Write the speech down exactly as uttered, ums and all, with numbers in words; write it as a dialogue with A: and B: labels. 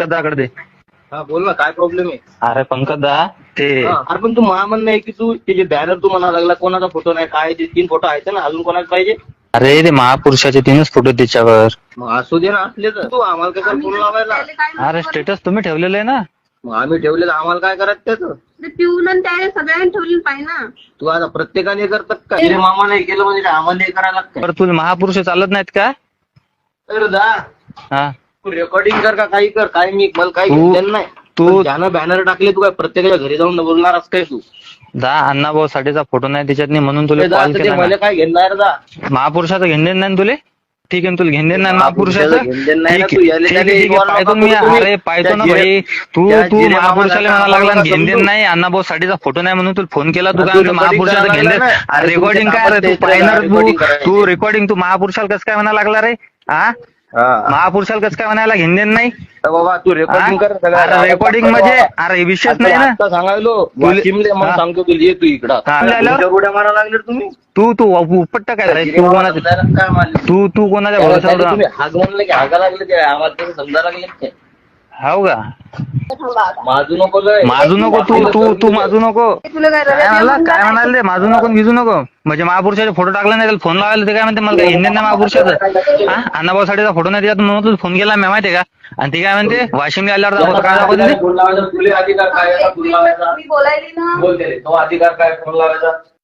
A: पंकज दाकडे दे.
B: हा बोल ना, काय प्रॉब्लेम आहे?
A: अरे पंकज दा ते
B: हा, अरे पण तू मला म्हणणं आहे की तू ते जे बॅनर तू म्हणा लागला कोणाचा फोटो नाही, काय ते तीन फोटो आहेत ना, अजून कोणाला पाहिजे?
A: अरे ते महापुरुषाचे तीनच फोटो त्याच्यावर.
B: मग असू दे ना, असले तर तू आम्हाला काय कर फोन लावायला?
A: अरे स्टेटस तुम्ही ठेवलेलं आहे ना.
B: मग आम्ही ठेवलेलं, आम्हाला काय करायचं त्याचं?
C: ते पिऊन आणि त्याने सगळ्यांनी ठेवली पाहिजे ना.
B: तू आता प्रत्येकाने करतात का? तिने मामा नाही केलं म्हणजे आम्हाला नाही करायला लागतं?
A: बरं तुला महापुरुष चालत नाहीत का?
B: अरे दा
A: हा
B: तू रेकॉर्डिंग कर का काही कर, काय मी मला काही
A: तू-
B: घेतलेलं नाही.
A: तू-
B: पण ज्यानं बॅनर टाकले तू काय प्रत्येकाच्या घरी जाऊन बोलणारच काय तू?
A: दा अण्णाभाऊ साठेचा फोटो नाही त्याच्यात नाही म्हणून तुला
B: ते दा,
A: कॉल
B: ते
A: केला
B: मला
A: ना.
B: काय घेणार दा?
A: महापुरुषाचं घेणं नाही ना तुले? ठीक आहे ना, तुला घेणं नाही महापुरुषाचं.
B: महापुरुषाचं घेणं नाही ना,
A: ठीक
B: तू
A: आहे
B: याले
A: ठीक आहे
B: त्याले
A: ठीक आहे,
B: involve
A: पाहतो
B: नका
A: मी.
B: करू तुम्ही.
A: अरे पाहतो ना
B: त्या
A: भाई,
B: जिरे-
A: तू
B: त्या
A: तू
B: जिरे
A: महापुरुषाला
B: मामाला
A: म्हणा लागला
B: नका
A: घेणं
B: समजू.
A: नाही, अण्णाभाऊ साठेचा फोटो नाही म्हणून तुला फोन केला. तू
B: तू
A: काय म्हणतो
B: recording
A: महापुरुषाचं
B: करायला
A: घेणं?
B: लागला ना.
A: अरे रेकॉर्डिंग काय रे, तू
B: तुमच्या
A: पाहिणार
B: recording
A: तू
B: करायची.
A: तू रेकॉर्डिंग तू महापुरुषाला कसं काय म्हणा लागला रे? हा
B: हा.
A: महापुरुषाला कसं काय म्हणायला घेणं नाही?
B: तर बाबा तू रेकॉर्डिंग कर सगळं.
A: अरे रेकॉर्डिंग म्हणजे अरे विषयच नाही ना.
B: आता सांगायलो
A: तुले-
B: वाशिमले, मग
A: हा.
B: सांगतो तुला, ये तू इकडं.
A: हा.
B: तुमच्या उड्या मारा लागले तुम्ही.
A: तू तू उपट्ट काय रे? तू कोणाच्या
B: काय मारले?
A: तू तू कोणाच्या
B: त्याला
A: भरोशावर?
B: तुम्ही हाग म्हणलं की हागा लागले ते आम्हाला तसं समजा लागले ते.
A: हो का?
B: माजू नको लय.
A: माजू नको तू तू तू माजू नको.
C: तुला काय
A: काय म्हणला काय म्हणाल ते? माजू नको भिजू नको. म्हणजे महापुरुषाचे फोटो टाकला नाही, त्याला फोन लावायला ते काय म्हणते मला काय हिंदी नाही महापुरुषाचं. हा अण्णाभाऊ साठेचा फोटो नाही त्याच्यात म्हणून तुला फोन केला मी, माहितीये का? आणि ती काय म्हणते वाशिमला आल्यावर दाखवतो. काय दाखवते?
B: फोन लावायचा तुला अधिकार काय आहे? फोन लावायचा
C: मी बोलायली ना.
B: बोलते तो अधिकार काय फोन लावायचा?